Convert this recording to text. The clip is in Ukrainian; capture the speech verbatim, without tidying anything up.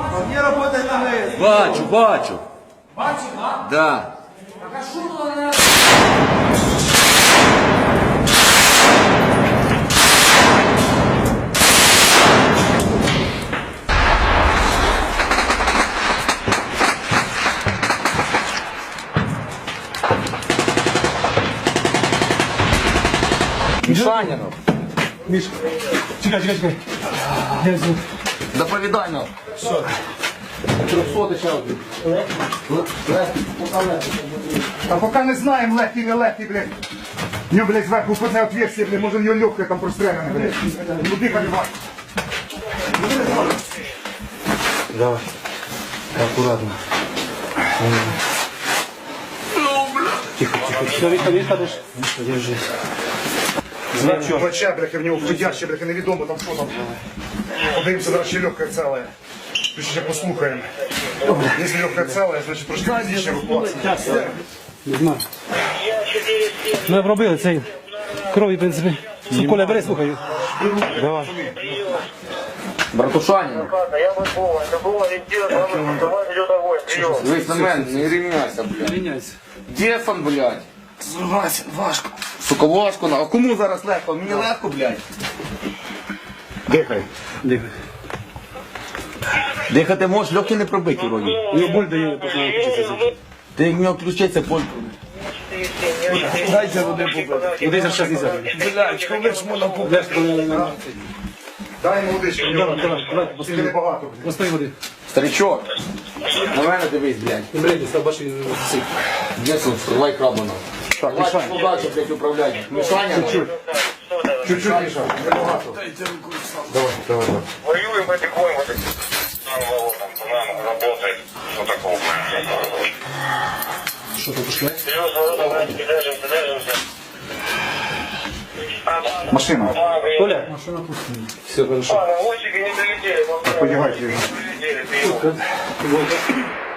Не работает на ГЭС. Бачу, бачу. Бачиш, а? Да. Так а що то вона? Мішаніну. Миш, чекай, чекай, чекай. Я взял. Доповідай нам. Що? Трьохсотий ще один. Легкий, пока легкий. А пока не знаем, легкий, не легкий, блядь. У него, блядь, сверху входное отверстие, блядь, может, у него легкое там простреляно, блядь. Ну, дыхай, блядь. Давай. Аккуратно. Тихо, тихо. Все, Витя, Витя, дышь. Держись. Значит, плеча, блядь, в него входящее, блядь, и неведомо там что там. Подивимося, зараз ще легкое целое. Тут ще послухаємо. Если легкое целое, значит, трошки пізніше евакуація. Не знаю. Ми обробили цей крові, в принципі. Коля, бери, слухай. Давай. Братушанин. Я Быкова. Это был ориентир, давай идет огонь. Прием. Дивись на мене, не рівняйся, блядь. Міняйся. Дефан, блядь. Согласен, важко. Сука, важко. А кому зараз легко? Мені легко, блядь. Дихай. Дихай. Дихати можеш, легкі не пробиті вроді. Його боль дає, починає включитися. Ти як в нього включиться, боль. Дайте води попити. Води зараз не можна. Блядь, коли ж можна попити? Дай йому водичку, в нього Давай, давай, тільки небагато, блядь. Постой води. Старичок. На мене дивись, блядь. Не брейді, став бачиш сик. Десун, стрілай крабаном. Так, Давай, мішаємо. удачі, блядь, управляй. Мішаня. Чуть-чуть. Чуть-чуть, Миша, небагато. Давай, давай, давай. Воюем потихоньку. Нам нам работает. Что такого? Що тут пішли? Серьезно, держимся, держимся. Машина. Коля? Все, хорошо. А, наводчики не долетели. Подягайте. Долетели, прием. Вот.